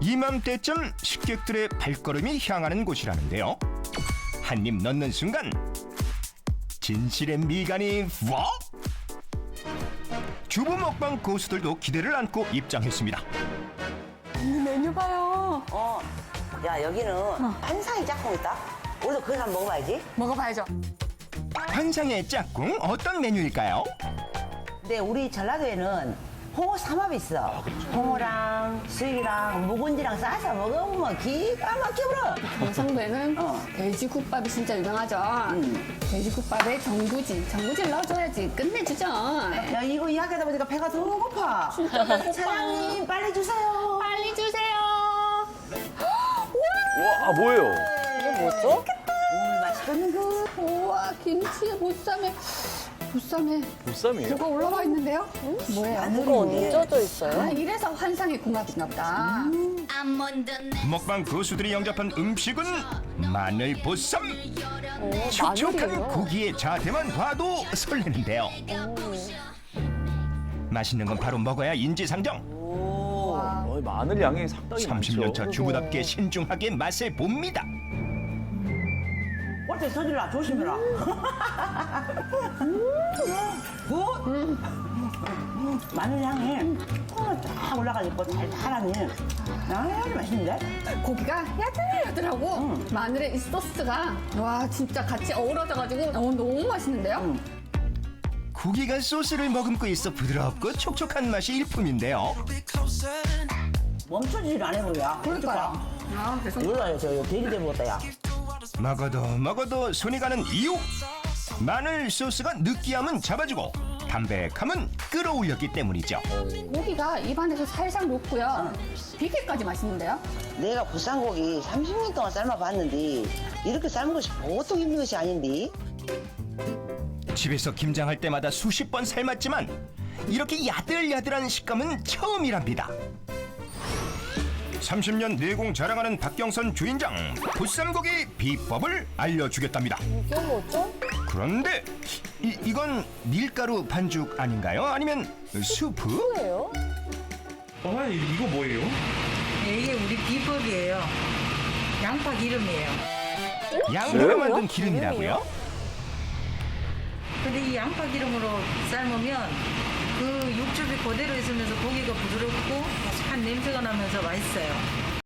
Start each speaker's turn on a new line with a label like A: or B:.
A: 이맘때쯤 식객들의 발걸음이 향하는 곳이라는데요. 한 입 넣는 순간 진실의 미간이 워! 주부 먹방 고수들도 기대를 안고 입장했습니다.
B: 메뉴 봐요.
C: 야, 여기는 한상이 짝꿍 있다? 우리도 그걸 한번 먹어봐야지.
B: 먹어봐야죠.
A: 환상의 짝꿍 어떤 메뉴일까요?
C: 근데 우리 전라도에는 홍어 삼합이 있어. 홍어랑 수육이랑 묵은지랑 싸서 먹으면 기가 막혀버려.
B: 경상도에는 돼지국밥이 진짜 유명하죠. 돼지국밥에 전구지를 넣어줘야지 끝내주죠.
C: 야, 이거 이야기하다 보니까 배가 너무 고파. 사장님, 빨리 주세요.
B: 빨리 주세요.
D: 와, 뭐예요?
B: 이게 뭐죠?
C: 오늘 맛있겠는 거.
B: 우와, 김치에 보쌈에
D: 보쌈이에요?
B: 뭐가 올라와 있는데요? 뭐예요?
C: 이거 어디에?
E: 쪄져 있어요?
B: 아, 이래서 환상의 궁합인가 보다.
A: 먹방 고수들이 영접한 음식은 마늘 보쌈. 촉촉한
E: 마늘이에요?
A: 고기의 자태만 봐도 설레는데요. 맛있는 건 바로 먹어야 인지상정.
D: 마늘 양이 상당히
A: 30년 차
D: 많죠.
A: 주부답게 신중하게 맛을 봅니다.
C: 어째 서질라 조심해라. 마늘 향이 콩을 쫙 올라가지고 달달하니 아주 맛있는데?
B: 고기가 야들야들하고 마늘의 이 소스가 와 진짜 같이 어우러져가지고 너무 맛있는데요?
A: 고기가 소스를 머금고 있어 부드럽고 촉촉한 맛이 일품인데요.
C: 멈춰지질 않아 보여.
B: 그러니까요. 아, 그래서
C: 몰라요, 저 돼지 돼 먹었다, 야.
A: 먹어도 손이 가는 이유. 마늘 소스가 느끼함은 잡아주고 담백함은 끌어올렸기 때문이죠.
B: 고기가 입안에서 살살 녹고요. 비계까지 맛있는데요?
C: 내가 보쌈고기 30년 동안 삶아봤는데 이렇게 삶은 것이 보통 힘든 것이 아닌데.
A: 집에서 김장할 때마다 수십 번 삶았지만 이렇게 야들야들한 식감은 처음이랍니다. 30년 내공 자랑하는 박경선 주인장, 보쌈고기 비법을 알려주겠답니다.
E: 이게 뭐죠?
A: 그런데 이건 밀가루 반죽 아닌가요? 아니면 수프?
E: 뭐예요?
F: 이거 뭐예요?
G: 네, 이게 우리 비법이에요. 양파 기름이에요.
A: 양으로 만든 기름이라고요?
G: 근데 이 양파 기름으로 삶으면 그 육즙이 그대로 있으면서 고기가 부드럽고 한 냄새가 나면서 맛있어요.